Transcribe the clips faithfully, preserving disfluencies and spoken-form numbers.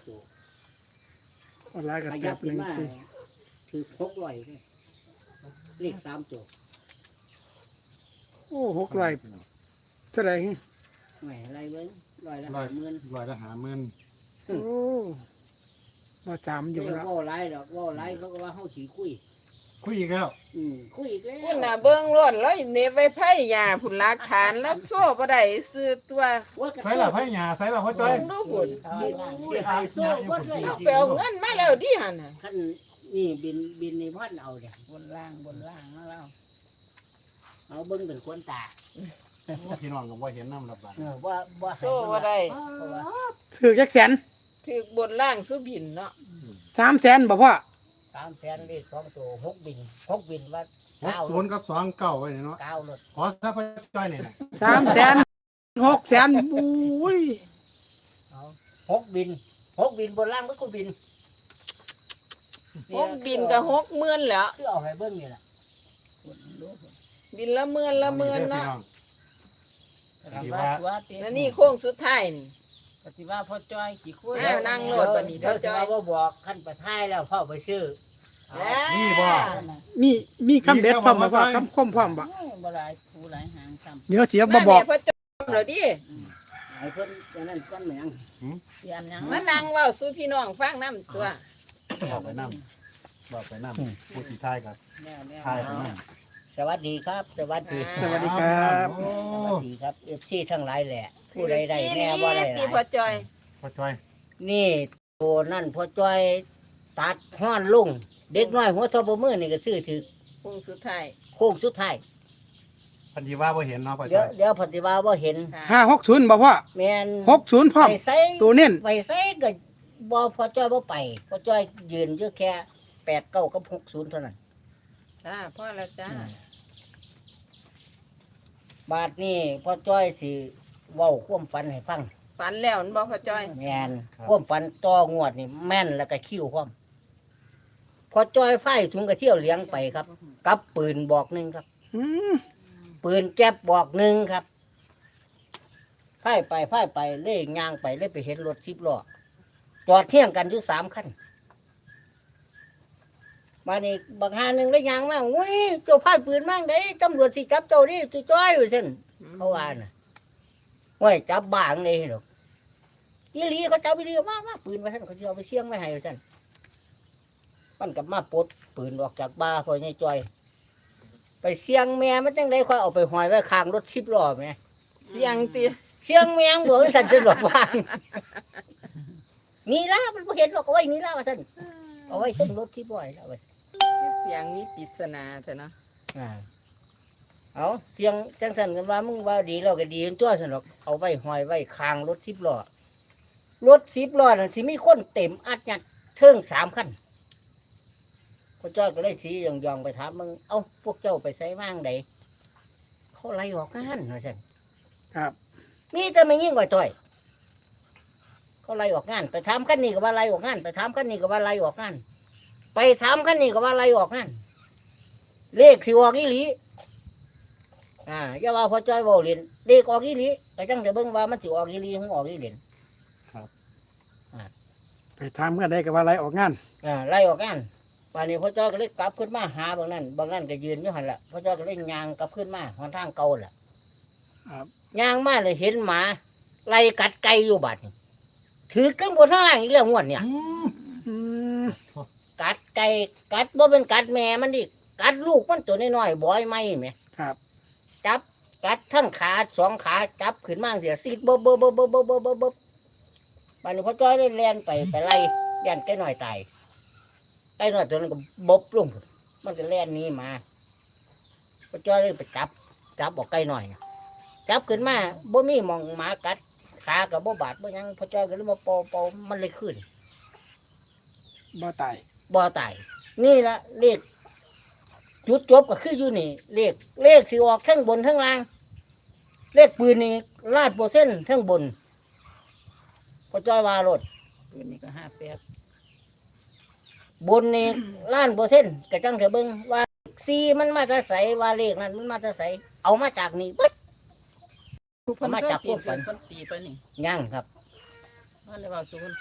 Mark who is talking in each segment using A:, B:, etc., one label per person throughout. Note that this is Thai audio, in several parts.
A: ตัว
B: ออนไลน์กับ
A: ข
B: แป
A: ยั
B: ด
A: บ
B: ห
A: ขึ้น
B: นึ่ง
A: มา
B: สี่
A: ถือหกร้อยเลยเลขสามตัว
B: โอ้หกร้อยเท่าไหร่
A: ไม่อะไรเบิ้งร้อยละ
C: ร้อ
A: ห้าย หมื่น
C: ร้อยละหาหมื่น
B: โอ้มาสามอยู่
A: เดี๋ยว
B: แล้ว
A: ว่าไรดอกว่าไรเขาก็ว่าเขาขี่คุย
C: คุยอีกแล้ว
A: อืมคุยอีกแล้ว
D: พุ่นน่ะเบิ่งรถแล้วเนบไว้ไผยาพุ่นหลักฐานแล้วโซ่บ่ได้ซื้อตัว
A: ว่ากระ
C: ใส่ละไผหญ้าใส่ละพ่อจ้อย
D: เบิ่งดูพุ่น
A: สิสิหายโซ่วัดเลย
D: เอาไปเอาเงินมาแล้วดิหั่นน่ะ
A: ขั้นนี่บินบินในพันเอาเนี่ย
D: บนล่างบนล่างแล้ว
A: เอาเบิ้งเป็นควนตา
C: พี่น้องก็บ่เห็นน้ำระบาด
A: เออว่าว่า
D: โซ่บ่ได้
A: เพราะว่า
B: ถือแจ็คแสน
D: ถือบนล่างสุบินเนาะ
B: สามแสนบ่พ่อ
A: สามแสนเลขสองตัวหกบินหกบินว่า
C: หก
A: เก้า
C: ศูนย์กับสองเก้าไว้เนาะ
A: เก้ารถ
C: ขอซะพ่อจ้อยนี่นะ
B: สามแสนหกแสนบุ้ย
A: เอาหกบินหกบินบนล่างก็กูบิน
D: หกบินก็หกหมื่นแล้ว
A: คือเอาให้เบิ้งนี่แหละ
D: บินละหมื่นละหมื่นเนาะ
C: พี่น้อง
E: ว่าว่าเต้
D: แล้วนี่โค้งสุดท้ายนี่
E: ปฏิว่าพ่อจ้อยกี่คุย
D: อ้าวนั่งโลดบัดนี้
A: เดี๋ยวจะมาว่าบอกขั้นประท้ายแล้วพ่อไปซื้อ
C: นี่บ่
B: มีมีคำเด็ดพร้อมบ่พ่อคำคมพร้อมบ่
E: บ่หลายผู้หลายหางซ้
B: เดี๋ยวเสีย
D: มา
B: บ่บอก
D: แม่พ่อจอมแล้วดิ
A: ไอ้เพิ่นจะนั่นก้อนเหมือง
E: ำเสียนยัง
D: มานั่งเว้าสู่พี่น้องฟังนํตัว
C: บอกไปน้ำบอกไปน้ำผู้ที่ทายกับ
E: แล้วแล้ว
C: ทายไปน้
A: สวัสดีครับ สวัสดี
B: สวัสดีครับ
C: โอ้
A: สวัสดีครับเอฟซีทั้งหลายแหละ ผู้ใดได้แน่ว่าได้ห
D: ที่
A: ลา
D: พ่อย จอย
C: พ่อจ้อย
A: นี่ตัวนั่นพอจ้อยตัดห้อนลุงเด็กน้อยหัวทบมือนี่ก็ซื้อถือ
D: โค้งสุดท้าย
A: โค้งสุดท้าย
C: พันธีว่าบ่เห็นเนาะพ่อ
A: เดี๋ย
C: จ้
A: ว
C: อย
A: เดี๋ยวปฏิวัติว่าเห็น
D: ค่ะ
B: ห้าหกศูนย์บ่พ่อ
A: แมน
B: หกศูนย์พร้อม
A: ไปใส่
B: ตัวเน้น
A: ไปใส่ก็บ่พอจ้อยบ่ไปพอจ้อยยืนอยู่แค่แปดเก้ากับหกศูนย์เท่านั้น
D: จ้าพ่อละจ้า
A: บาทนี่พ่อจ้อยสิเว้าความฝันให้ฟัง
D: ฝันแล้วมันบ่พ่อจอย
A: แม่นความฝันต่องวดนี่แม่นแล้วก็คิ้วพร้อมพ่อจ้อยไฟถุงกระเที่ยวเลี้ยงไปครับ กับปืนบอกหนึ่งครับ
B: อืม
A: ปืนแก๊บบอกหนึ่งครับไฟไปไฟไปเล่ยยางไปเล่ยไปเห็นรถสิบล้อจอดเที่ยงกันอยู่สามคันมานี่บางหาหนึ่งได้ยางมาอุ้ยเจ้าพายปืนมั่งได้ตำรวจสิจับเจ้าดิจุจ้อยอยู่เส้น เขาว่าน่ะว่าจับบ้างเลยหรอกอีหลีเขาจับอีหลีมามาปืนมาท่านเขาจะเอาไปเสี่ยงไม่ให้ท่านมันกับมาปลดปืนออกจากบ้าพอใหญ่จอย ไปเสี่ยงแม่มันจังได้ค่อยเอาไปหอยไว้ข้างรถสิบล้อแม่
D: เสียงติ
A: เสี่ยงแมงบอกสันจะหลดว่างนี่ละมันบ่เห็นหรอกเอาไว้นี่ละว่าสันเอาไว้ขึ้นรถสิบล้อแล้วว่าซั่น
D: เสียงมีปริศนาแต่เนาะ
A: อ่าเอาเสียงจังสันกันว่ามึงว่าดีเราก็ดีตัวสนหรอกเอาไว้หอยไว้คางรถสิบล้อรถสิบล้อนั่นสิมีคนเต็มอัดยัดเทิงสามคันพระเจ้าก็เลยสียองยองๆไปถามมึงเอ้าพวกเจ้าไปใส่ว่างใดเขาไล่ออกงานว่าสัน
B: ครับ
A: มีแต่ไม่ยิ่งกว่าต่อยเขาไล่ออกงาน ไปถามคันนี้ก็ว่าไล่ออกงาน ไปถามคันนี้ก็ว่าไล่ออกงาน ไปถามคันนี้ก็ว่าไล่ออกงาน เลขสิออกอีหลี อ่าอย่าว่าพอจ้อยเว้าเล่นเลขออกอีหลีก็จังจะเบิ่งว่ามันสิออกอีหลีของออกอีเหรียญ
B: ไปทำกันได้กับว่าไรออกงาน
A: อ่าไล่ออกงานป่านนี้พอจ้อยก็เลยกลับขึ้นมาหาบางนั้นบางนั้นก็ยืนอยู่หั่นล่ะพอจ้อยก็เลยย่างกลับขึ้นมาหนทางเก่าล่ะ
B: ครับ
A: ย่างมาเลยเห็นหมาไล่กัดไก่อยู่บัดนี้ถือกังบนข้างล่างอีกแล้วงวดเนี่ย
C: อืม
B: อืม
A: กัดไก่กัดบ่เป็นกัดแม่มันดิกัดลูกมันตัวน้อยๆบ่อยไหมแหม
B: ครับ
A: จับกัดทั้งขาสองขาจับขึ้นมาเสียซีดบบบบบบบบบบบบบัดนี้พอจ้อยเลยแล่นไปไปไล่แล่นไก่น้อยตายไก่น้อยตัวนั้นก็บบลงมันก็แล่นหนี้มาพอจ้อยเลยไปจับจับบอกไก่น้อยน่ะจับขึ้นมาบ่มีหมองหมากัดขากับบ่บาดบ่หยังพอจ้อยก็เลยมาปอปอมันเลยขึ้น
B: บ่ตาย
A: บ่ตายนี่ละเลขจุดจบก็คืออยู่นี่เลขเลขสิออกทั้งบนทั้งล่าง เลขปืนนี่ลาดโปรเซ็นต์ทั้งบนพอจ้อยว่ารถ
E: ปืนนี่ก็ห้าแปด
A: บนนี่ล้านโปรเซ็นต์กระจังเถอะเบิ่งว่าซีมันมาจะใสว่าเลขนั้นมันมาจะใสเอามาจากนี่ปึ๊ด เอามาจากพวกฝัน
E: คนตีไปนี่
A: ย่างครับ
E: ว่าเลยว่าสู่คนฟัง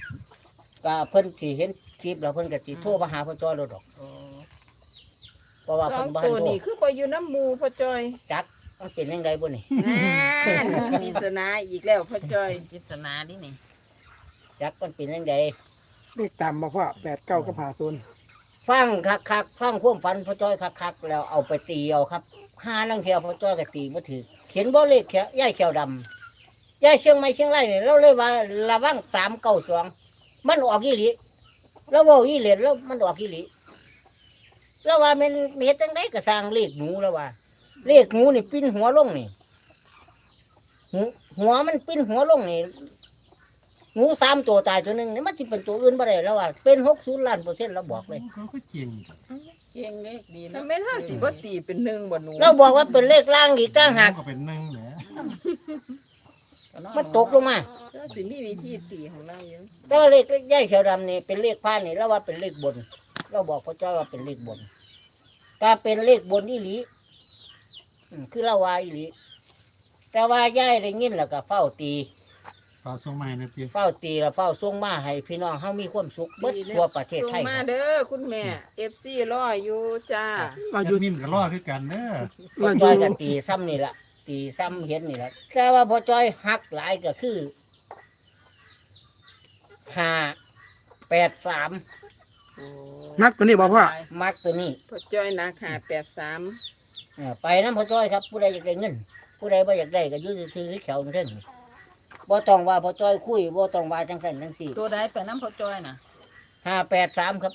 A: ก็เพิ่นสิเห็นคลิปแล้วเพิ่นก็สิโทรมาหาพ่อจ้อยโลดดอก
E: โอ้
A: เพราะว่า
D: สอ
A: เพิ่
D: ง
A: นบ่ทั
D: ตั
A: น
D: ว
A: โทร
D: นี่คือบ่อยู่น้ำหมูพ่อจอย
A: จักมันเป็นจังไดบ่นี่
D: นั่นมีสนาอีกแล้วพ่อจอย
E: ปริศนาดินี่
A: จักมันเป็นจังได
B: เลขตามมาพ่อแปดเก้ากับหาศูนย์
A: ฟังคักๆฟังความฝันพ่อจ้อยคักๆแล้วเอาไปตีเอาครับห้าลังเที่ยวพ่อจ้อยก็ตีบ่ถูกเขียนบ่เลขแค่ยายแขวดำยายเชียงใหม่เชียงรายนี่เราเลยว่าระวังสามเก้าสองมันออกอีหลีแล้วเว้าอีเหรียญแล้วมันออกอีหลีแล้วว่ามันเฮ็ดจังไดก็สร้างเลขหนูแล้วว่า เลขหนูนี่ปิ้นหัวลงนี่หูหัวมันปิ้นหัวลงนี่หนูสามตัวตายตัวหนึงนี่มันสิเป็นตัวอื่นบ่ได้แล้วว่าเป็นหกสิบล้านเปอร์เซ็นต์เราบอกเลย
C: เขาก็จริง
E: เก่งเลขดี
D: ทำ
E: เนาะ
D: ไมห้าสิบ่ตีเป็นหนึ่งบ่หนู
A: เราบอกว่าเป็นเลขล่างอีกต่างหาก
C: ก็เป็นหนึ่งแหละ
A: มันตกลงมา
D: ก็สิมีวิธีตีของเราอยู่
A: แต่ว่าเลขย่ายเขียวดำนี่เป็นเลขพานนี่เราว่าเป็นเลขบน เราบอกพระเจ้าว่าเป็นเลขบนการเป็นเลขบนอีหลีอืมคือเราว่าอีหลีแต่ว่าย่ายได้ยินแล้วก็เฝ้าตี
C: ฝากส่งมาให้นะพี่
A: เฝ้าตีแล้วเฝ้าส่งมาให้พี่น้องเฮามีความสุขเบิดทั่วประเทศ
D: ส่ง
A: ไทย
D: มาเด้อคุณแม่ เอฟ ซี รออยู่จ้า
B: เรา
C: อ
B: อยู่
C: ยู่นิ่มก็รอคือกันเด้อ
A: พอ
B: เราอ
A: จ้อย
B: ยู่
A: ก็ตีซ้ำนี่ละตีซ้ำเห็นนี่ละแต่ว่าพอจ้อยหักหลายก็คือห้าแปดสาม
B: นักตัวนี้บอกพ่อ
A: มักตัวนี้
D: พ่อจ้อยนาคาแปดสาม
A: เออไปน้ำพอจ้อยครับ ผู้ใดอยากได้เงิน ผู้ใดบ่อยากได้ก็อยืดซื้อแขวนั่นเองบ่ต้องว่าพอจ้อยคุยบ่ต้องว่าจังสันจังสี่
E: ตัวใดไปน้ำพ่อจอยน่ะ
A: ห้าแปดสามครับ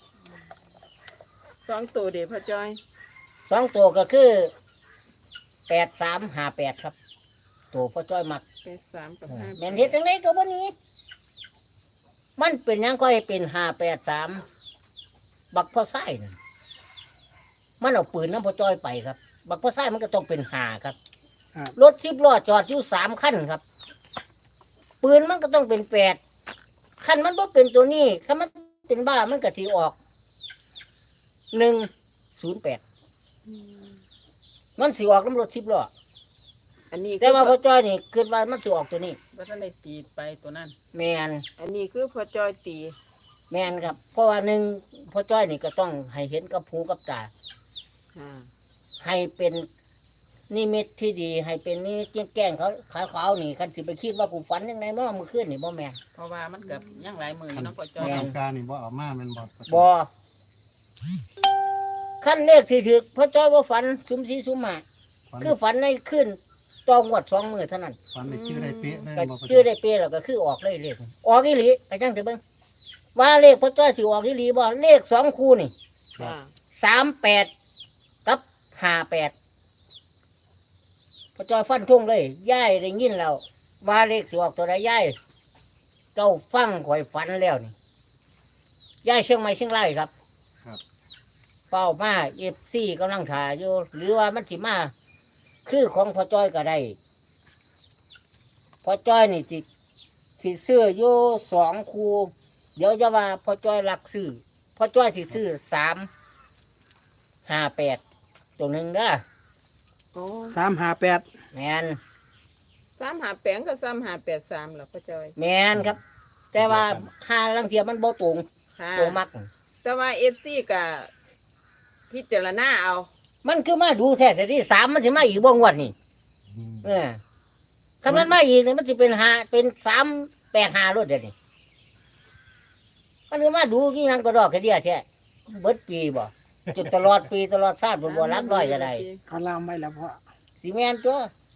D: สองตัวเด้อพ่อจ้อย
A: สองตัวก็คือแปดสามห้าแปดครับ ตัวพอจ้อยมัก
D: แปดสามกับห้า
A: แม่นเฮ็ดจังไดก็บ่หนี้ มันเป็นหยังก็ให้เป็นห้าแปดสามบักพ่อไส้นั่นมันเอาปืนน้ำพ่อจ้อยไปครับ บักพ่อไส้มันก็ต้องเป็นห้าครับ
B: ครับ
A: รถสิบล้อจอดอยู่สามคันครับ ปืนมันก็ต้องเป็นแปดคันมันบ่เป็นตัวนี้คันมันเป็นบ้ามันก็สิออกหนึ่งศูนย์แปดมันสิออกน้ำรถสิบล้อ
D: อันนี้
A: แต่ว่าพ่อจ้อยนี่คิดว่ามันสิออกตัวนี้
E: ว่าท่านได้ตีไปตัวนั้น
A: แมน
D: อันนี้คือพ่อจ้อยตี
A: แมนครับ เพราะว่าหนึ่งพ่อจ้อยนี่ก็ต้องให้เห็นกับหูกับตา
D: ค่ะ
A: ให้เป็นนิมิตที่ดี ให้เป็นนี่แกล้งเขาขาวขาวๆนี่คันสิไปคิดว่ากูฝันยังไงบ่เมื่อคืนนี่บ่แม่น
E: เพราะว่ามันกับยังหลายมืออยู่เนาะพ่อจอ
C: บ่
E: ย
C: ต้องการนี่บ่เอามาแม่นบ่
A: บ่ขั้นเลขสิถึกพ่อจ้อยว่าฝันซุมสีซุมหมา
C: ฝัน
A: คือฝันในคืนตองวดสองมือเท่านั้น
C: ฝันได้ชื่อได้เป๊ะเลย
A: ก็
C: บ่
A: ชื่อได้เปรแล้วก็คือออกเลยเลขออกอีหลีไปจังเถอะเบิ่งว่าเลขพ่อจ้อยสิออกอีหลีบ่เลขสองคู่นี่
D: ค่ะ
A: สามแปดกับห้าแปดพ่อจ้อยฟันทุ่งเลยย่ายได้ยินแล้วว่าเลขสิออกตัวใดย่ายเจ้าฟังข่อยฝันแล้วนี่ย่ายเชียงใหม่เชียงรายครับ
C: ครับ
A: เป้ามาเอฟซีกำลังถ่ายอยู่หรือว่ามันสิมาคือของพ่อจ้อยก็ได้พ่อจ้อยนี่สิสิซื้ออยู่สองคูเดี๋ยวจะว่าพ่อจ้อยรักซื้อพ่อจ้อยสิซื้อสามห้าแปดตัวหนึ่งเด้อ
D: โอ้
B: สามหาแปด
A: แมน
D: สามหาแปงก็สามหาแปดสามเหรอพ่อจ้อย
A: แมนครับ แต่ว่าห้าลังเทียมันบ่ตรง
D: ค่ะ
A: ตัวมัก
D: แต่ว่าเอฟซีกับพิจารณาเอา
A: มันคือมาดูแท้เสียที่สามมันสิมาอีกบ่งวดนี่
C: อืม
A: เออถ้ามันมาอีกเนี่ยมันสิเป็นห้าเป็นสามแปดห้ารถเดี๋ยวนี้มันคือมาดูกี่ยังกระดอกกระเดียแท้เบิดปีบ่จนตลอดปีตลอดชาติบ่บ่รักร้อยจะได้
B: เขาลามไว้แล้วพ่อ
A: สิแม่นตัว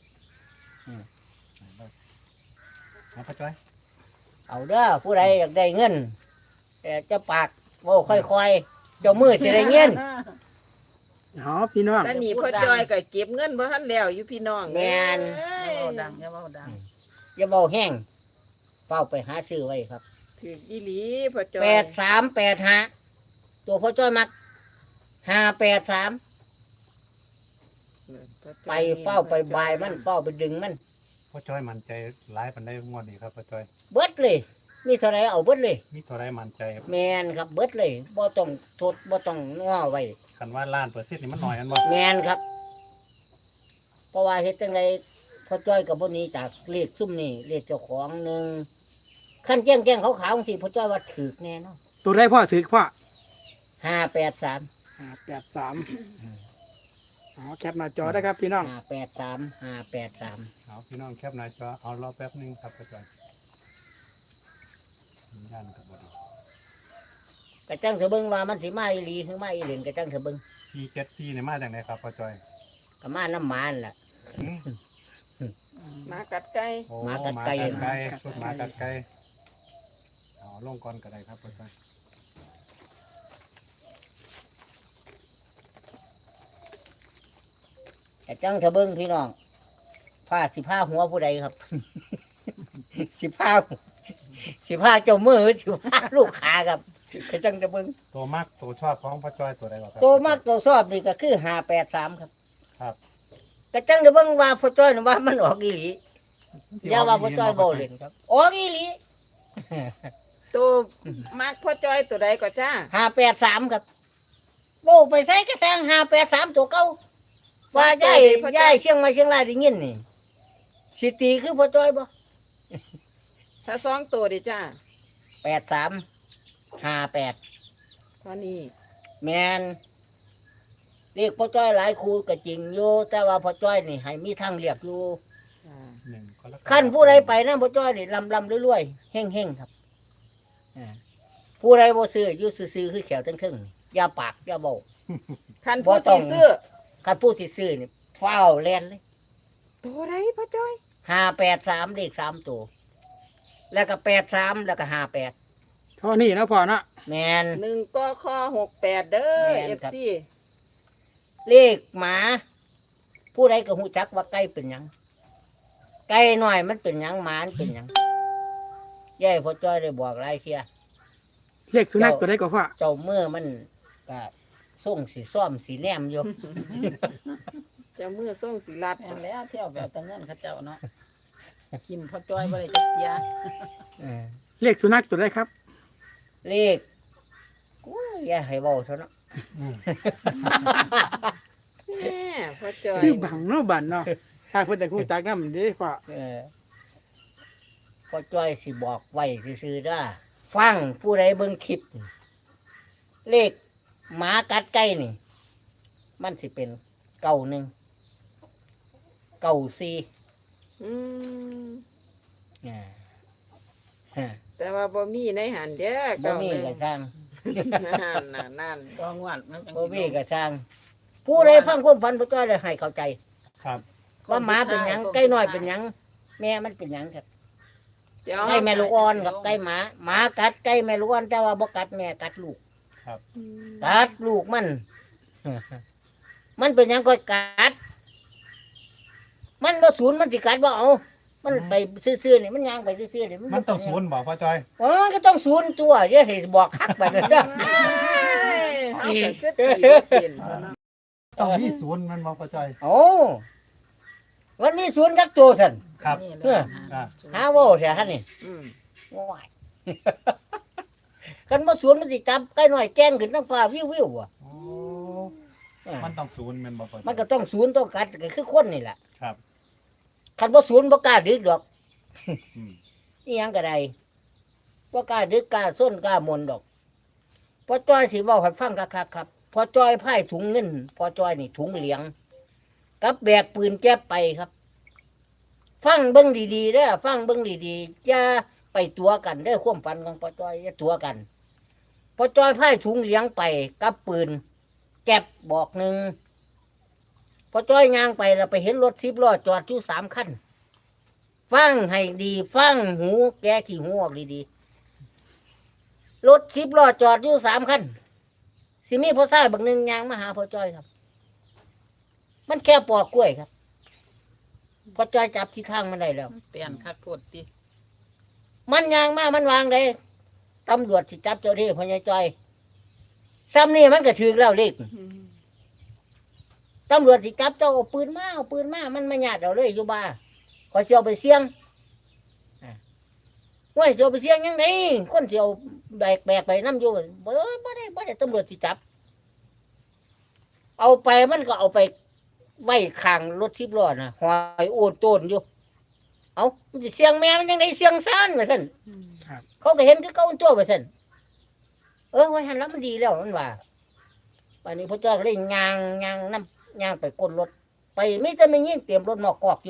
C: เอาพ่อจ้อย
A: เอาเด้อผู้ใดอยากได้เงินแต่จะปากเว้าค่อยๆเจ้ามือสิได้เงิน
B: อ๋อพี่น้อง
D: แต่นี่พ่อจ้อยก็เก็บเงินบ่ทันแล้วอยู่พี่น้อง
A: แม่น
D: เอ้
E: อย่าย เว้าดังอย่าเว้าดัง
A: อย่าเว้าแห้งเฝ้าไปหาซื้อไว้ครับ
D: ถืออีหลีพ่อจ้อย
A: แปดสามแปดห้าตัวพ่อจ้อยมักห้าแปดสามไปเฝ้าไปบายมันเฝ้าไปดึงมัน
C: พ่อจ้อยมั่นใจหลายปานใดงวดนี้ครับพ่อจ้อย
A: เบิดเลย มีเท่าไรเอาเบิดเลย
C: มีเท่าไรมั่นใจครับ
A: แมนครับเบิดเลยบ่ต้องทดบ่ต้องง้อไว้
C: คันว่าล้านเปอร์เซ็นต์นี่มันน้อยอันบ่
A: แมนครับ เพราะว่าเฮ็ดจังไดพ่อจ้อยกับบ่หนี้จากเลขซุ่มนี่เลขเจ้าของหนึ่งขั้นแจ้งแจ้งขาวๆสิพ่อจ้อยว่าถือแน่เนาะ
B: ตัวได้พ่อถือพ่อ
A: ห้าแปดสาม
B: ห้าแปดสามอ๋อแคปหน้าจอได้ครับพี่น้อง
A: ห้าแปดสามห้าแปดสาม
C: เอาพี่น้องแคปหน้าจอเอารอแป๊บหนึงครับพ่อจอยย่านกับบดี
A: กระจังเถอะเบิ่งว่ามันสิมาอีหลีหรือมาอีเหลนกระจังเถอะเบิ่ง
C: สี่เจ็ดสี่เนี่ยมาจากไหนครับพ่อจอย
A: ก็มาน้ำหมานล่ะ
C: หืม
D: หมากัดไก่
C: โอ้
A: หมา
C: ห
A: กั
C: มา
A: ดไก่
C: กัดไก่ชุดหมากัดไก่เอาลงก่อนก็ได้ครับพ่อจอย
A: กระจังเถอะเบิ่งพี่น้องผ้าสิผ้าหัวผู้ใดครับ สิผ้าสิผ้าเจ้ามือสิผ้าลูกค้าครับกระจังเถอะเบิ่ง
C: ตัวมักตัวชอบของพ่อจอยตัวใดก่อนครับ
A: ตัวมากตัวชอบนี่ก็คือห้าแปดสามครับ
C: ครับ
A: กระจังเถอะเบิ่งว่าพ่อจ้อยน่ะว่ามันออกอีหลีอย่าว่าพ่อจ้อยบ่เล่นครับออกอีหลี
D: ตัวมักพ่อจอยตัวใดก็จ้า
A: ห้าแปดสามครับโบ้ไปใส่กระแสงห้าแปดสามตัวเก่าว่าย่ายย่ายเชียงใหม่เชียงรายได้ยินนี่สิตีคือพ่อจ้อยบ่
D: ถ้าสองตัวดิจ้า
A: แปดสามห้าแปด
D: เท่านี้
A: แมนเรียกพ่อจ้อยหลายครูก็จริงอยู่แต่ว่าพ่อจ้อยนี่ให้มีทางเรียกอยู่
D: จ้า
C: หนึ่งกรกฎาคม
A: ขั้นผู้ใดไปนะพ่อจ้อยนี่ลำลำรวยๆเฮ่งเฮ่งๆครับอ่าผู้ใดบ่ซื้ออยู่ซื่อๆคือแขวทั้งครึ่งอย่าปากอย่าเบา
D: คัน
A: บ่
D: ผู้
A: ต้อ
D: ที่
A: ง
D: ซื้อ
A: คันผู้ที่ซื้อนี่ฟ้าวแล่นเลย
D: ตัวใดพ่อจอย
A: ห้าแปดสามเลขสามตัวแล้วก็แปดสามแล้วก็ห้าแปด
B: เท่านี้นะพ่อเนาะ
A: แมน
D: หนึ่งก็ข้อหกแปดเด้อ
A: แม่
D: เอน ฟ
A: ครับ
D: ซี
A: เลขหมา ผู้ใดก็หูจักว่าไก่เป็นหยังไก่หน่อยมันเป็นหยังหมามันเป็นหยังย่ายพ่อจ้อยได้บอกหลายเที่ย
B: เลขสุนัขตัวได้ก็พ่อ
A: เจ้าเมื่อมันก็ส่งสีซ้อมสีแนมอยู่
D: จะมือส่งสีลัด
E: แม่นแล้วเที่ยวแบบตะเงินเขาเจ้าเนาะกินพ่อจ้อยบ่ได้จักเที่ย
A: เออ
B: เลขสุนัขตัวได้ครับ
A: เลขกูอย่าให้เบาเท่านั้น
C: อืม
D: แม่พ่อจอย
B: คือบังเนาะบันเนาะถ้าเพิ่นแต่คู่จักนำเด้พ่อ
A: เออพ่อจ้อยสิบอกไว้ซื่อๆเด้อฟังผู้ใดเบิ่งคลิปนี่เลขหมากัดไก่นี่ มันสิเป็นเก่าหนึ่งเก่าสี่
D: อืม
A: อ่าฮะ
D: แต่ว่าบ่มีในหันเด้อ
A: บ่มีก็สร้าง
D: นั่นน่ะนั่น
E: ก็งวดมันจัง
A: บ่
E: สิ
A: มีก็สร้าง ผู้ใดฟังความฝันพ่อจ้อยได้ให้เข้าใจ
C: ครับ
A: ว่าหมาเป็นหยังไก่น้อยเป็นหยังแม่มันเป็นหยังครับ
D: เดี๋ยว
A: ไก่แม่ลูกอ่อนกับไก่หมาหมากัดไก่แม่ลูกอ่อนแต่ว่าบ่กัดแม่กัดลูก
D: อืม
A: กัดลูกมัน มันเป็นหยังก็กัด มันบ่ศูนย์มันสิกัดบ่เอา มันไปซื่อๆนี่มันย่างไปซื่อๆนี่
C: มันต้องศูนย์บอกพ่อจอย
A: อ๋อมันก็ต้องศูนย์ตัวอย่าให้บอกคักไปเลยเด้อ
D: เอาแต่คือตีบ่เป็นเนาะ
C: ต้องมีศูนย์มันบอกพ่อจอย
A: โอ้วันนี้ศูนย์จักตัวสั่น
C: ครับ
E: นี่
A: เออ
C: อ่า
A: หาเว้าเสียหั่นนี่
D: อืม
A: ว้าย คันบ่ศูนย์มันสิจับไก่น้อยแกล้งขึ้นทั้งฟ้าวิวๆว่ะ
C: โอ้
A: อ่า
C: มันต้องศูนย์แมันบอกพ่อจอย
A: มันก็ต้องศูนย์ต้องกัดก็คือคนนี่แหละ
C: ครับ
A: คันบ่ศูนย์บ่กล้าดึกดอก
C: อืม
A: อีหยังก็ได้บ่กล้าดึกกล้าส้นกล้ามนดอกพอจ้อยสิเว้าให้ฟังคักๆครับพอจ้อยพายถุงเงินพอจ้อยนี่ถุงเหลียง กับแบกปืนแก๊ปไปครับ ฟังเบิ่งดีๆเด้อฟังเบิ่งดีๆอย่าไปตัวกันเด้อความฝันของพอจ้อยอย่าตัวกันพอจ้อยพายถุงเหลียงไปกับปืนแก๊ปบอกหนึ่งพอจ้อยย่างไปแล้วไปเห็นรถสิบล้อจอดอยู่สามคัน ฟังให้ดีฟังหูแกขี้หูออกดีๆรถสิบล้อจอดอยู่สามคันสิมีพ่อชายบักหนึ่งยางมาหาพ่อจ้อยครับ มันแค่ปอกกล้วยครับพ่อจ้อยจับที่ทางมันได้แล้ว
E: เปลี่ยนคักโพดติ
A: มันยางมามันวางเลยตำรวจสิจับเจ้าที่พ่อใหญ่จ้อยซ้ำนี่มันก็ถือแล้วเลข
D: อืม
A: ตำรวจสิจับเจ้าเอาปืนมาเอาปืนมามันมาหยาดเราเลยอยู่บ้านขอเสียวไปเสี่ยงอ่ะว่าเสียวไปเสี่ยงยังไงคนเสียวแบกแบกไปน้ำอยู่บ่บ่ได้บ่ได้ตำรวจสิจับ เอาไปมันก็เอาไปไว้ข้างรถสิบล้อนะหอยโอนโตนอยู่ เอามันสิเสียงแม่มันยังไงเสียงซ่านว่าซั่น
D: อืม
B: ครับ
A: เขาก็เห็นคือเก่าตัวไปซั่นเออไว้หันแล้วมันดีแล้วมันว่าวันนี้พ่อจ้อยก็เลยย่างย่างน้ำย่างไปก้นรถไปไม่จะไม่ยิ่งเตรียมรถหมอกกอกอยู่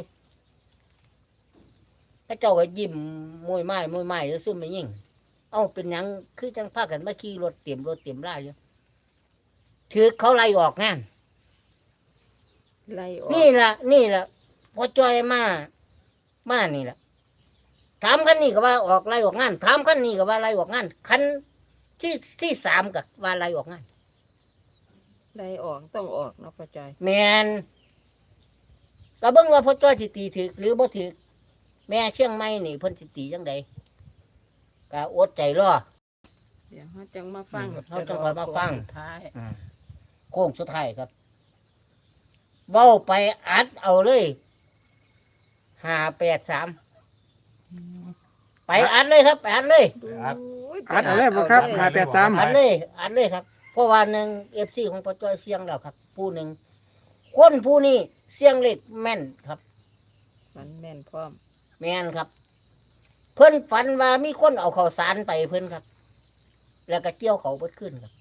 A: พระเจ้าก็ยิ้มมวยไม้มวยไม้แล้วซุ่มไม่ยิ่งเอ้าเป็นหยังคือจังพากันมาขี่รถเตรียมรถเตรียมล่าอยู่ถือเขาไล่ออกงาน
D: ไล่ออก
A: นี่ล่ะนี่ล่ะพอจอยมามานี่ล่ะถามคันนี้ก็ว่าออกไล่ออกงานถามคันนี้ก็ว่าไล่ออกงานคันที่ที่สามก็ว่าไล่ออกงาน
D: ไล่ออกต้องออกเนาะพ่อจอย
A: แมนก็เบิ่งว่าพอจอยสิตีถึกหรือบ่ถึกแม่เชียงใหม่นี่เพิ่นสิตีจังใดก็อดใจรอ
D: เดี๋ยวเขาจังมาฟัง
A: อืมเขาจังค่อยมาฟัง
E: สุดท้าย
A: โค้งสุดท้ายครับเว้าไปอัดเอาเลยห้าแปดสามไปอัดเลยครับไปอัดเลย
C: ครับ
B: อัดเอาเลยบ่ครับห้าแปดสาม
A: อัดเลยอัดเลยครับเพราะว่าหนึ่งเอฟซีของปจอยเสียงแล้วครับ ผู้หนึ่งคนผู้นี้เสียงเล็กแม่นครับ
D: มันแม่นพร้อม
A: แม่นครับ เพิ่นฝันว่ามีคนเอาข้าวสารไปเพิ่นครับ แล้วก็เกี่ยวเขาเบิดขึ้นครับ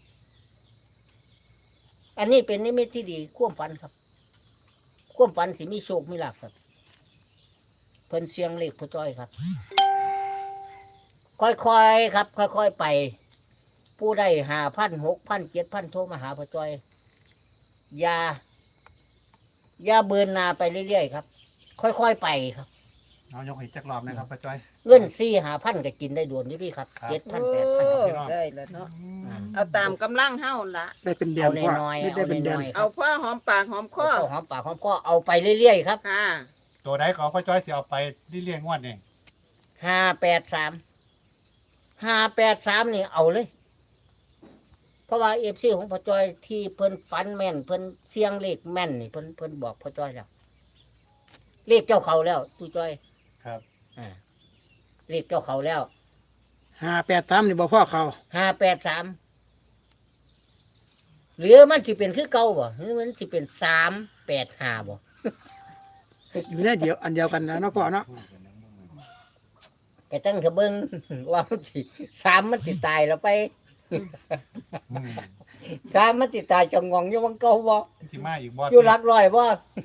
A: อันนี้เป็นนิมิตที่ดีความฝันครับความฝันสิมีโชคมีลาภครับ เพิ่นเสียงเล็กปจอยครับ ค่อยๆครับ ค่อยๆไป ผู้ได้หาพันหกพันเจ็ดพันโทรมาหาพ่อจอยอย่าอย่าเบินหนาไปเรื่อยๆครับ ค่อยๆไปครับ
C: เอายกให้จักรอบนะครับป้าจ้อย
A: เงินสี่หาพันก็กินได้ด่วนนี่พี่ครับ
C: ครับ
A: เจ็ดพัน
D: โอ้
A: แปดพัน
C: พี่น้อง
D: ได้แล้วเนาะเอาตามกำลังเฮาละ
B: ได้เป็นเดือน
A: เอา
B: พ่อ
A: น้อยๆ
B: ได้เป็นเดือน
A: เอาน้อยๆ
D: เอาพ่อหอมปากหอมคอ
A: เอาหอมปากหอมคอเอาไปเรื่อยๆครับ
D: ค่ะ
C: ตัวใดก็เอาป้าจ้อยสิเอาไปที่เลี้ยงงวดนี่
A: ห้าแปดสามห้าแปดสามนี่เอาเลย เพราะว่าเอฟซีของพ่อจอยที่เพิ่นฟันแม่นเพิ่นเสียงเลขแม่นนี่เพิ่นเพิ่นบอกพ่อจอยแล้วเลขเจ้าเขาแล้วตู้จอย
C: ครับ
A: อ่าเลขเจ้าเขาแล้ว
B: ห้าแปดสามนี่บ่พ่อเขา
A: ห้าแปดสามหรือมันสิเป็นคือเก่าบ่หรือมันสิเป็นสามแปดห้าบ่
B: อยู่ในเดียวอันเดียวกันนะเนาะพ่อเนาะ
A: แต่ตั้งเถอะเบิ่ง ว่ามันสิสามมันสิตายแล้วไป
C: อืม
A: สามมันสิตายจงงองอยู่วังเก่าบ่
C: สิมาอีกบ่
A: อยู่หลักร้อยบ่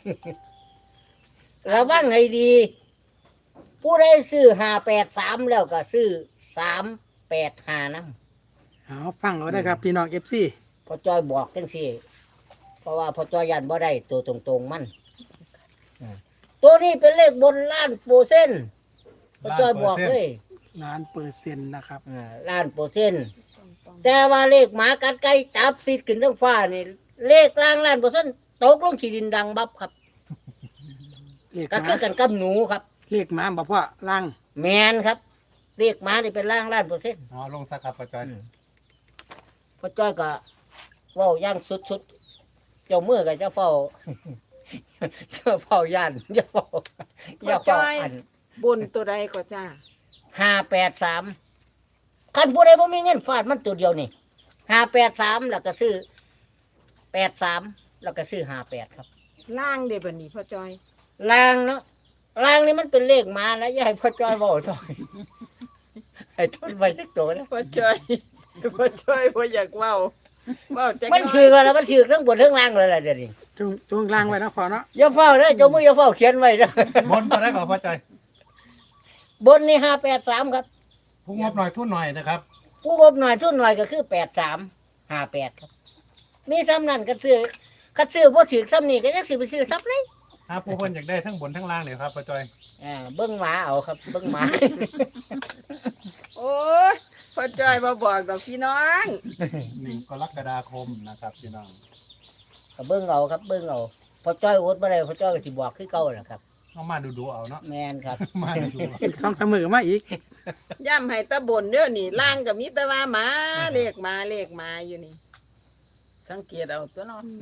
A: ระวังให้ดี ผู้ใดซื้อห้าแปดสามแล้วก็ซื้อสามแปดห้านํ
B: เอาฟังเอาได้ครับพี่น้องเอฟซี
A: พอจอยบอกจังซี่เพราะว่าพอจอยยันบ่ได้ตัวตรงๆมันอ่าตัวนี้เป็นเลขบนล้านเปอร์เซ็นต์พอจอยบอกเลย
B: ล้านเปอร์เซ็นต์นะครับ
A: อ่าล้านเปอร์เซ็นต์แต่ว่าเลขหมากัดไก่จับซิดขึ้นทั้งฟ้านี่เลขล่างล้านเปอร์เซ็นต์ตกลงขี้ดินดังบับครับ
B: เลขห
A: ก็
B: มา
A: คือกันกับหนูครับ
B: เลขหมาบ่พ่อล่าง
A: แมนครับเลขหมานี่เป็นล่างล้านเปอร์เซ็นต์
C: เอาลงสักครับป้าจ้อย
A: พอจ้อยก็เว้าย่างสุดๆเจ้ามือก็จะเฝ้า เจ้าเฝ้าย่านอย่าเฝ้าอย่าเฝ้าอัน
D: บนตัวใดก็จ้า
A: ห้าแปดสามคันผู้ใดบ่มีเงินฟาดมันตัวเดียวนี่ห้าแปดสามแล้วก็ซื้อแปดสามแล้วก็ซื้อห้าแปดครับ
D: ล่างเด้บัดนี้พ่อจอย
A: ลางเนาะลางนี่มันเป็นเลขมาแล้วอย่าให้พ่อจ้อยเว้าจ้อย ให้ทนไว้สักตัวนะ
D: พ่อจอยพ่อจอยบ่อยากเว้าเว้าจักห
A: มัน
D: น่
A: ถื
D: อ
A: อย กันแล้วมันถือทั้งบนทั้งล่างเลยล่ะเดี๋ยวนี้
B: จงจงล่างไว้นะพ่อเนาะ
A: อย่าเฝ้าเด้อเจ้ามืออย่าเฝ้าเขียนไว้เด้อบ
C: นตัวใดก็เอาป้าจ้อย
A: บนนี่ห้าแปดสามครับ
C: ผู้งบหน่อยทุนหน่อยนะครับ
A: ผู้งบหน่อยทุนหน่อยก็คือแปดสามห้าแปดครับ มีซ้ำนั่นก็ซื้อก็ซื้อบ่ถือซ้ำนี่ก็ยังซื้อไปซื้อซ้ำเลย
C: ถ้าผู้คนอยากได้ทั้งบนทั้งล่างเลยครับป้าจ้อย
A: อ่าเบิ้งหมาเอาครับ เบิ้งหมา
D: โอ้ยพ่อจอยมาบอกดอกพี่น้อง
C: หนึ่งกรกฎาคมนะครับพี่น้อง
A: ก็เบิ้งเอาครับ เบิ้งเอาพอจ้อยอดบ่ได้พอจ้อยก็สิบอกคือเก่าแหละครับ
C: เอามาดูๆเอาเนาะ
A: แมนครับ
C: มาดูๆเอา
B: อีกสองสามมือมาอีก
D: ย่ำให้ตะบนเด้อนี่ล่างก็มีแต่ว่าหมาเลขหมาเลขหมาอยู่นี่
E: สังเกตเอาตัวเนาะ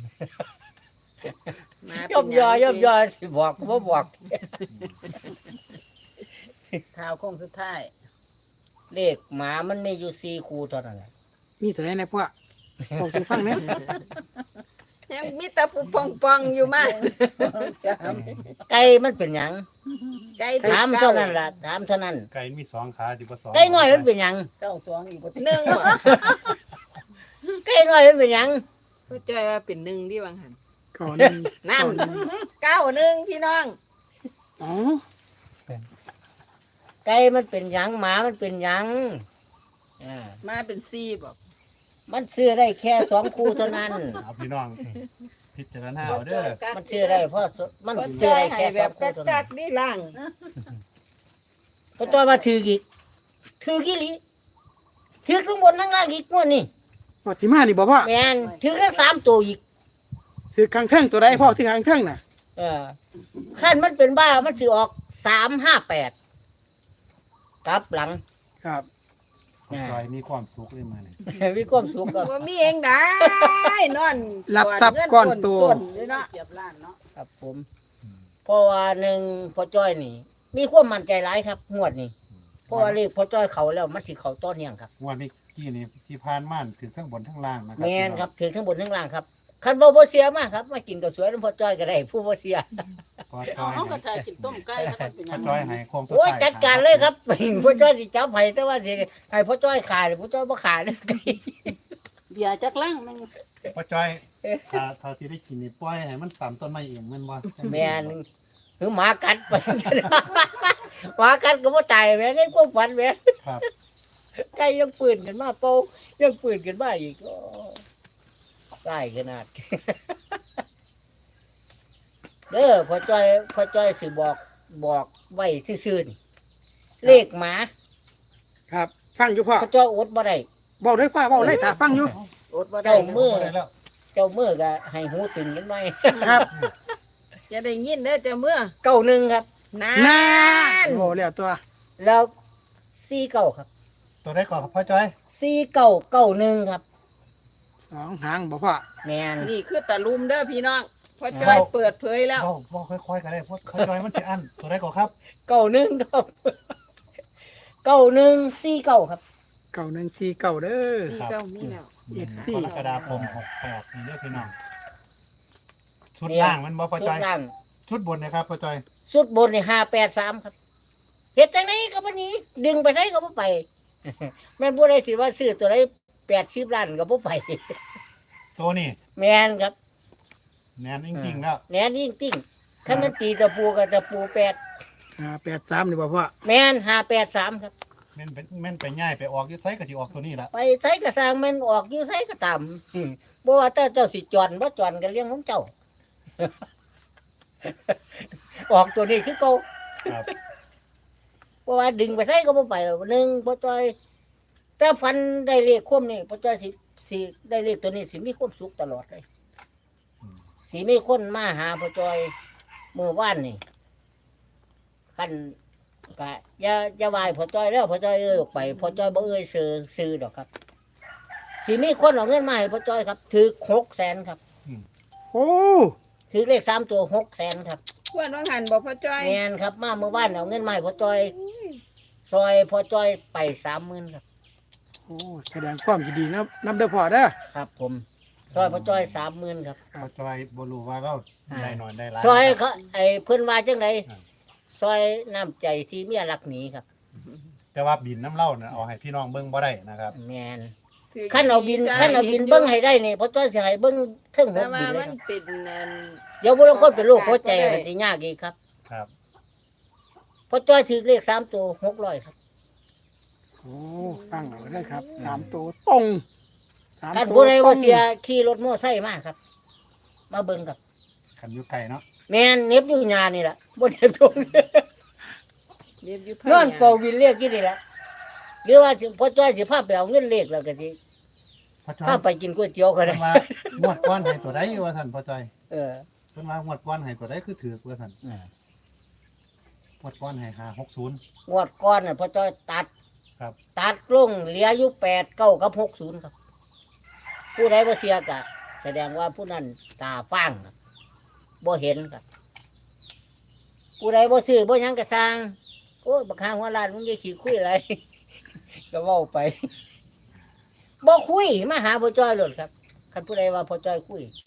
D: หมาเป็
A: ย่อม
D: น
A: ยอ
D: ห
A: ย่อมยอสิบอกก็บ่บอก
E: ข่าวโค้งสุดท้าย
A: เลขหมามันมีอยู่สี่คู่เท่านั้นแหละ
B: มีแต่ไหนนะพ่อบอกสู่ฟังเนี่ย
D: ยังมีแต่ผู้ปองปองๆอยู่มาก
A: ไก่มันเป็นหยัง
D: ไก่
A: ถามเท่านั้นล่ะถามเท่านั้น
C: ไก่มีสองขาที่บ่สอง
A: ไก่น้อยมันเป็นหยัง
E: เก้าสองอีกบ่ติ
D: หนึ่งบ่
A: ไก่น้อยมันเป็นหยัง
D: พ่อจ้อยว่าเป็นหนึ่งที่บางหัน
B: ก่อนนึง
D: นั่น
B: ก่อหง
D: เก้าหนึ่งพี่น้อง
B: อ๋อ
A: ไก่มันเป็นหยังหมามันเป็นหยังอ่า
D: มาเป็นสี่บอก
A: มันซื้อได้แค่สองคู่เท่านั้น
C: เอาพี่น้อง พิจารณาเอาเด้อ
A: มันซื้อได้เพราะสมัน
D: พ่อ
A: ซื้อ
D: จ้อย
A: ได้
D: ให้
A: แค่
D: แบ
A: สอบ งคู่เท่า
D: กั
A: นั้
D: ก
A: น
D: ๆนี่ล่าง
A: พอจอยมาถืออีกถือกี่ลิถือข้างบนข้างล่างอีกม้วนนี่
B: พ่อสิมานี่บ่พ่อ
A: แมนถือแค่สามตัวอีก
B: ถือข้างเทิงตัวใดพ่อถือข้างเทิงน่ะ
A: เออขั้นมันเป็นบ้ามันสิออกสามห้าแปดกลับหลัง
B: ครับ
C: จอยมีความสุขเลยมาเนี่ย
A: มีความสุขก็
D: ว่ามีเองได้นอน
B: รับทรัพย์ก้อนโต
D: ก้นเลยเนาะ
E: เกียบล้านเนาะ
A: ครับผมเพราะว่าหนึ่งพอจ้อยนี่ มีความมั่นใจหลายครับงวดนี้เพราะว่าเลขพอจ้อยเขาแล้วมันสิเขาต้นเนียงครับ
C: งวันนี้กี้นี่ที่ผ่านม่านถึงทั้งบนทั้งล่างนะครั
A: แมนครับถือทั้งบนทั้งล่างครับคันบ่บ่เสียมากครับมากินกับสวยน้ำพอจ้อยก็ได้ผู้บ่เสีย
C: พอจ
E: เอา
C: อย
E: เฮาก็
C: ให้
E: ทายกินต้มไก่ก็เป็นห
C: พ
E: ยั
C: อง จอยให้โคมสุ
A: โอ้ย
C: ท้าย
A: จัดการเลยครับ พ่อจ้อยสิจับให้แต่ว่าสิให้พ่อจ้อยขายหรือพ่อจ้อยบ่ขายเลย
E: เบียร์จักลังมัน
C: พอจอยถ้าถ้าที่ได้กินนี่ปล่อยให้มันต่ำต้นไม้เองแมันบ่
A: แม่นคือหมากัดไป หมากัดก็บ่ตายแม่นในความฝันแม่น
C: ครับ
A: ไก่ยังปืนกันมาเป่ายังปืนกันมาอีกโอ้ตายขนาด เด้อพ่อจ้อยพ่อจ้อยสิบอกบอกไว้ซื่อๆนี่เลขหมา
B: ครับ ฟังอยู่พ่อ
A: พ่อจ้อยอดบ่ได้
B: เว้าเลยพ่อเว้าเลยถ้าฟังอยู่
D: อดบ่ได้
A: เจ้ามือ
C: บ่ได้แล้ว
A: เจ้ามือก็ให้หูตึงกันหน่อย
B: ครับ
D: จะได้ยินเด้อเจ้าเมื่อ
A: เก้าหนึ่งครับ
D: นาน
B: านโอ้แล้วตัว
A: แล้วสี่เก้าครับ
C: ตัวได้ก่อนครับพ่อจอย
A: สี่เก้าเก้าหนึ่งครับ
B: สองหางบ่พ่อ
A: แมน
D: นี่คือตะลุมเด้อพี่น้องพ่อจ้อยเปิดเผยแล้ว
C: เว้าเว้าค่อยๆกันได้เพราะพ่อจอยมันสิอันตัวได้ก่อนครับ
A: เก้าหนึ่งครับ เก้าหนึ่งสี่เก้าครับ
B: เก้าหนึ่งสี่เก้าเด้อ
D: สี่เก้ามีแล้ว
B: เอ็ด
C: ก
B: สี่
C: รกฎาคมหกแปดนี่เด้อพี่น้องชุดล่างมันบ่พ่อ
A: สุ
C: จ
A: ด
C: อย
A: ล่าง
C: ชุดบนนะครับพ่อจอย
A: สุดบนนี่ห้าแปดสามครับเฮ็ดจังไดก็บ่หนี้ ดึงไปไสก็บ่ไป แม่นบ่ได้สิว่าซื้อตัวใดแปดสิบล้านก็บ่ไป
C: ตัวนี้
A: แม่นครับ
C: แน่นจริงๆแล้ว
A: แม่นยิ่งติ้งคันมันตีตะปูก็ตะปูแปด
B: ห้าแปดสามนี่บ่พ่อ
A: แม่นห้าแปดสามครับ
C: แม่นเป็นแม่นไปง่ายไปออกอยี่ไสก็สิออกตัวนี้ละ
A: ไปไสก็สร้างแม่นออกอยู่ไสก็ตามอืมบ่ว่าแต่เจ้าสิจอนบ่จอนก็เรื่องของเจ้า ออกตัวนี้คือเก่า
C: ครับ
A: เพราะว่าดึงไปไสก็บ่ไปหรอกหนึ่งพ่อจ้อยแต่ฟันได้เลขคมนี่พ่อจ้อยสิสิได้เลขตัวนี้สิมีความสุขตลอดเลย
C: อืม
A: สิมีคนมาหาพ่อจ้อยมื้อวานนี่คันก็อย่าอย่าไหวพ่อจ้อยแล้วพ่อจ้อยเอ้ยออกไปพ่อจ้อยบ่เอ้ยซื้อซื้อดอกครับสิมีคนเอาเงินมาให้พ่อจ้อยครับถือหกแสนครับ
B: โอ้
A: ถือเลขสามตัวหกแสนครับ
D: เพื่อนว่าหันบอกพ่อจ้อย
A: แมนครับมาเมื่อวานเอาเงินมาให้พ่อจ้อยซอยพ่อจ้อยไปสามหมื่นครับ
B: โอ้แสดงความยินดีนะนำเด้อพ่อเด้อ
A: ครับผมซอยพ่อจ้อยสามหมื่นครับ
C: พ่อจอยบ่รู้ว่าเราได้นอนได้หลาย
A: ซอยเขาไอ้เพื่อนว่าจังได
C: อ่า
A: ซอยน้ำใจที่เมียรักหนีครับ
C: แต่ว่าบินน้ำเล่าน่ะเอาให้พี่น้องเบิ่งบ่ได้นะครับ
A: แมนขั้นเอาบินขั้นเอาบินเบิ้งให้ได้นี่พ่อจ้อยสิให้เบิ้งเทิงห
D: แต่
A: ก
D: ว่า
A: บินเล
D: มั
A: ย
D: น
A: ครับ
D: เป็นอัน
A: เดี๋ยวบุรุษคนเป็นโรคหัวใจมันสิยากอีกครับ
C: ครับ
A: พ่อจ้อยถือเลขสามตัวหกร้อยครับ
B: โอ้ฟังเอาได้ครับสามตัวตรงสาม
A: ท่าน
B: ตัว
A: ผู้ใด
B: ตร
A: ว่าง เสียขี่รถมอไซค์มาครับ มาเบิ้งครับ
C: คันอยู่ไกลเนาะ
A: แมนเน็บอยู่ยานี่แหละบนเน็บตรง
D: เรียบอยู่
A: นอนเฝ้าวินเรียกกี่นี่แหละหรือว่าสิพ่อจ้อยสิพาไปเอาเงินเลขแล้วก็สิ
C: พ่อจอย
A: พาไปกินก๋วยเตี๋ยวก็
C: เพิ่
A: ได้
C: นว่างวดก้อนให้ตัวใดว่าท่านพ่อจอย
A: เออ
C: เพิ่นว่างวดก้อนให้ตัวใดคือถือว่าท่านงวดก้อนให้ห้าหกศูนย์
A: งวดก่อนน่ะพ่อจ้อยตัด
C: ครับ
A: ตัดลงเหลืออยู่แปดเก้ากับหกศูนย์ครับ ผู้ใดบ่เสียก็แสดงว่าผู้นั้นตาฟ้างครับบ่เห็นครับผู้ใดบ่ซื้อบ่หยังก็สร้างโอ้ยบักหาหัวล้านมึงอย่าขี้คุยอะไร ก็เว้าไปบ่คุยมาหาพ่อจ้อยโลดครับคันผู้ใดว่าพ่อจ้อยคุย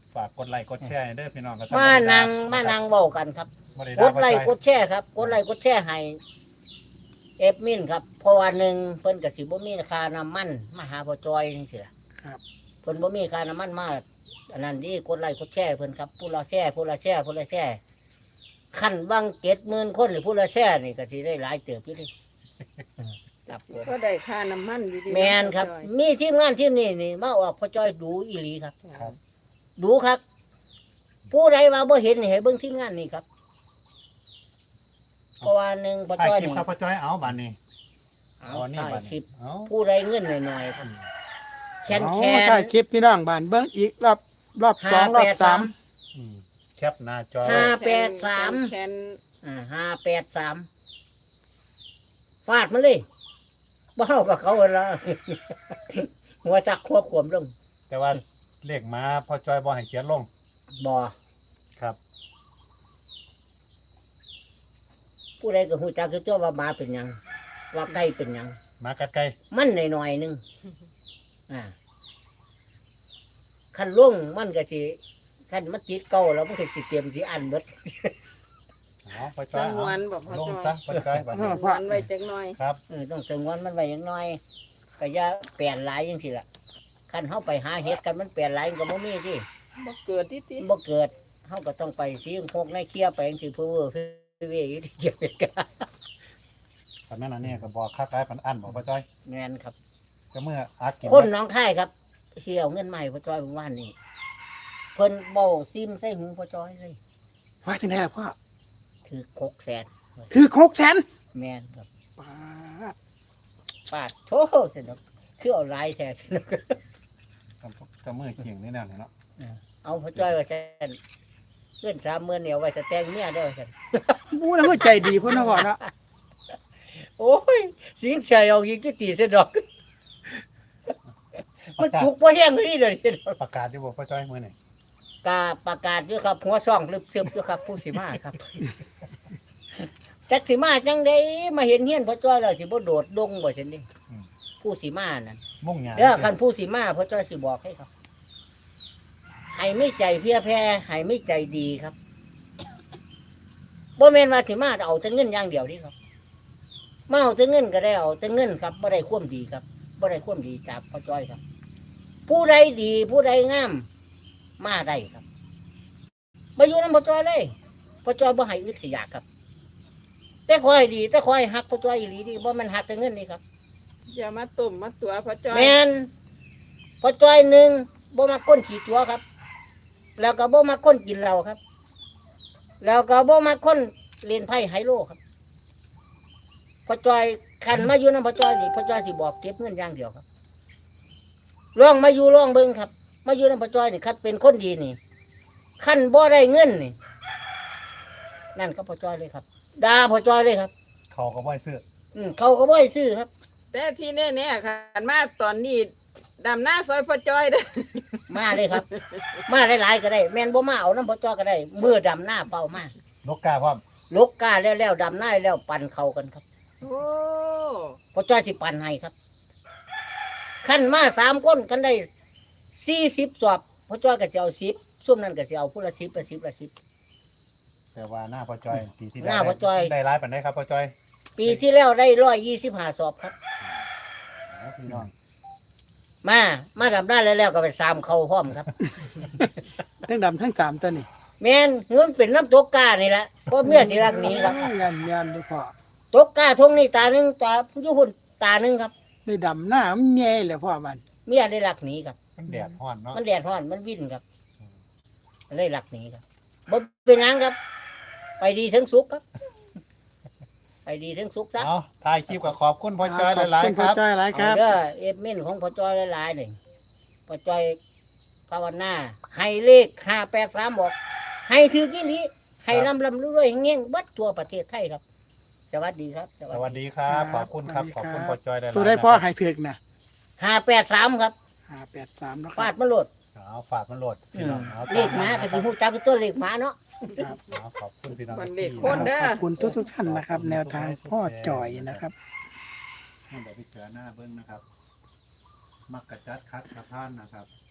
C: ฝากกดไลค์กดแชร์ให้เด้อพี่น้องครับ
A: มานั่งมานั่งเว้ากันครับ
C: บ่ได้
A: ก
C: ด่า
A: ดไลค์
C: พ่อจ้อย
A: กดแชร์ครับกดไลค์กดแชร์ให้เอฟมินครับเพราะว่าหนึ่งเพิ่นก็สิบ่มีค่าน้ำมันมาหาพ่อจอยจังซี่ล่ะ
B: ครับ
A: เพิ่นบ่มีค่าน้ำมันมาอันนั้นดีกดไลค์กดแชร์เพิ่นครับผู้ละแชร์ผู้ละแชร์ผู้ละแชร์คันบางเจ็ดหมื่นคนหรือผู้ละแชร์นี่ก็สิได้หลายเติบอยู่ดิครับผม
D: ก็ได้ค่าน้ำมันอยู่ดี
A: แมนครับ มีทีมงานทีมนี้นี่มาออกพ่อจอยดูอีหลีครับ
C: ครับ
A: ดูครับ ผู้ใดว่าบ่เห็นนี่ให้เบิ่งทีมงานนี่ครับเพราะว่าหนึ่งพ่อ
C: ถ่าย
A: จ้อย
C: คลิป
A: นี่
C: ครับพ่อจ้อยเอาบัดนี้
A: เอา
C: เอานี่
A: ถ่าย
C: บัด
A: คลิ
C: นี้
A: ป
C: เอา
A: ผู้ใดเงินหน่อยๆครับแคน
B: เอา
A: แคน
B: ใช่คลิปพี่น้องบ้านเบิ้งอีกรอบรอบสองรอบสาม
C: อืมแคปหน้าจอ
A: ห้าแปดสาม
D: แคน
A: อ่าห้าแปดสามฟาดมันเลยบ้ากับเขาละ หัวสักควบขวมลง
C: แต่ว่าเลขมาพ่อจ้อยบ่ให้เขียนลง
A: บ่
C: ครับ
A: ผู้ใดก็หูจักคือตัวว่าหมาเป็นหยังว่าไก่เป็นหยัง
C: มากัดไกล
A: มันหน่อยๆหนึงอ่าคันล่งมันก็สิคันมันจิตเก่าแล้วมันก็สิเตรียมสิอันเบิด
C: เอาพ่อ
D: ส
C: จ้อย
D: ง
C: เอา
D: วนบอกพ่อ
C: ลง
D: จอย
C: ซะพ่อจ้อยบัด
D: ส
C: นี้
D: งวนไว้จักหน่อย
C: ครับ
A: เออต้องสงวนมันไว้อย่างน้อยก็อย่าเปลี่ยนหลายจังซี่ล่ะคันเฮาไปหาเฮ็ดกันมันเปลี่ยนหลายมันก็บ่มีที่
D: บ่เกิดที่ติ
A: บ่เกิดเฮาก็ต้องไปสีพกในเคลียร์ไปจังซี่เพื่อเว้อเพื่อเวยอยู่ที่เกี่ยวกัน
C: ตอนนั้นอันนี้ก็บอกค่าขายพันอันบอกพ่อจ้อย
A: แม่นครับ
C: ก็เมื่ออากิน
A: คนหน้องค่ายครับเสียเอาเงินมาใหม่พ่อจ้อยเมื่อวานนี้เพิ่นเบ้าซิมใส่หูพ่อจ้อยเลย
B: ว่าที่ไหนล่ะพ่อ
A: ถือหกแสน
B: คือหกแสน
A: แม่นครับ
B: ปาด
A: ปาดโถสนุกคือเอาหลายแท้สนุก
C: ก็เมื่อเกี่ยงนี่แน่เนาะ
A: เอาพ่อจ้อยว่าซั่นเงินสามหมื่นเนี่ยเอาไว้จะแต่งเมียเด้อซั่น
B: บู้แล้วก็ใจดีพ่อนะพ่อเนาะ
A: โอ้ยสิงเสียเอาอีกกี่ตีเสยดอก มันจุกบ่แห้งเลยเด้อเสยดอก
C: ประกาศที่บอกพ่อจ้อยเมื่อไหร่
A: กาประกาศอยู่ครับหัวซ่องลึบซึมอยู่ครับผู้สิมาครับ จักสิมาจังไดมาเห็นเฮียนพ่อจ้อยแล้วสิบ่โดดดงบ่ซั่นดิผู้สิมานั่น
C: มุ่งหยา
A: เด้อคันผู้สิมาพ่อจ้อยสิบอกให้ครับให้ไม่ใจเพียแพ้ให้ไม่ใจดีครับบ่แม่นว่าสิมาเอาแต่เงินอย่างเดียวนี่ครับมาเอาแต่เงินก็ได้เอาแต่เงินครับบ่ได้ความดีครับบ่ได้ความดีจากพ่อจ้อยครับ ผู้ใดดีผู้ใดงามมาได้ครับมาอยู่นำพ่อจ้อยเลยพ่อจ้อยบ่ให้อึดให้อยากครับ แต่คอยดี แต่คอยหักพ่อจ้อยอีหลีดีบ่มันหักแต่เงินนี่ครับ
D: อย่ามาตุ่มมาตัวพ่อจอย
A: แม่นพ่อจ้อยหนึ่งบ่มาก้นขี่ตัวครับ แล้วก็บ่มาก้นกินเหล้าครับ แล้วก็บ่มาก้นเล่นไพ่ไฮโลครับพ่อจ้อยคันมาอยู่นำพ่อจ้อยนี่พ่อจ้อยสิบอกเก็บเงินอย่างเดียวครับลองมาอยู่ลองเบิ่งครับ มาอยู่นำพ่อจ้อยนี่คันเป็นคนดีนี่คันบ่ได้เงินนี่นั่นก็พ่อจ้อยเลยครับด่าพ่อจ้อยเลยครับ
C: เขาก็บ่ให้ซื้อ
A: อืมเขาก็บ่ให้ซื้อครับ
D: แต่ที่แน่ๆค่ะมาตอนนี้ดำหน้าซอยพ่อจอยเด้อ
A: มาเลยครับ มาหลายๆก็ได้ แม่นบ่มาเอาน้ำพ่อจ้อยก็ได้มือดำหน้าเป่ามาน
C: กกาพร้อม
A: ลกกาแล้วแล้วดำหน้าแล้วปั่นเขากันครับ
D: โอ้
A: พ่อจ้อยสิปั่นให้ครับขั้นมาสามคนกันได้สี่สิบสอบพ่อจ้อยก็สิเอาสิบซุ่มนั้นก็สิเอาผู้ละสิบละสิบละสิบ
C: แต่ว่าหน้าพ่อจ้อยปีที่
A: หน้าพ่อจ้อย
C: ได้ร้ายปานใดครับพ่อจ้อย
A: ปีที่แล้วได้ร้อยยี่สิบห้าสอบครับ
C: เอาพี่น้อง
A: มา มาดำหน้าแล้วแล้วก็ไปสามเขาพร้อมครับ
B: ทั้งดำทั้งสามตัวนี่
A: แม่นเงินเป็นน้ำตกกานี่แหละก็เมียสิรักหนี้ครับ
B: ยันยันดูพ่อ
A: ตกกาทงนี่ตาหนึ่งตาอยู่หุ่นตาหนึ่งครับ
B: ได้ดำหน้ามันแย่เลยพ่อมัน
A: เมียได้รักหนีครับ
C: มันแดดร้อนเนาะ
A: มันแดดร้อนมันวิ่นครับมันเลยรักหนีครับบ่เป็นหยังครับ ไปดีทั้งสุขครับ ไปดีทั้งสุขซะ
C: เอาถ่ายคลิปก็ขอบคุณพ่อจ้อยหลาย
B: ขอบ
C: ๆ
B: คุ
C: ค
B: ณพ่อ
C: รับ
B: จ้อยหลายครับ
A: เอาเด้อเอฟเมนของพ่อจ้อยหลายๆหนึ่งพ่อจ้อยภาวนาให้เลขห้าแปดสามบอก ให้ถือกี่นี้ให้ลำลำรวยๆเงี้ยงเบัดทั่วประเทศไทยครับ สวัสดีครับ
C: สวัสดีครับ ขอบคุณครับ ขอบคุณพ่อจ้อยหลายๆ
B: ตัวได้พ่อ
C: นะครับ
B: ให้ถึกนะ
A: ห้าแปดสามครับ
B: ห้าแปดสามแล้วค
A: ฟา
B: รั
A: ด
B: บ
A: มาโหลด
C: เอาฝากมันโหลด
A: อื
C: พี่
A: ม
C: น้องเอา
A: เลขหมาก็สิฮู้จักคือตัวเลขหมาเนาะ
B: ครับ
C: เอาขอบคุณพี่น้อง
D: มันเด็กคนเด้อ
B: ขอบคุณทุกทุกๆท่านนะครับ แนวทางพ่อจ่อยนะครับ
C: ให้เดี๋ยวไปเจอหน้าเบิ้งนะครับ มักกะจัดคัดกระพานนะครับ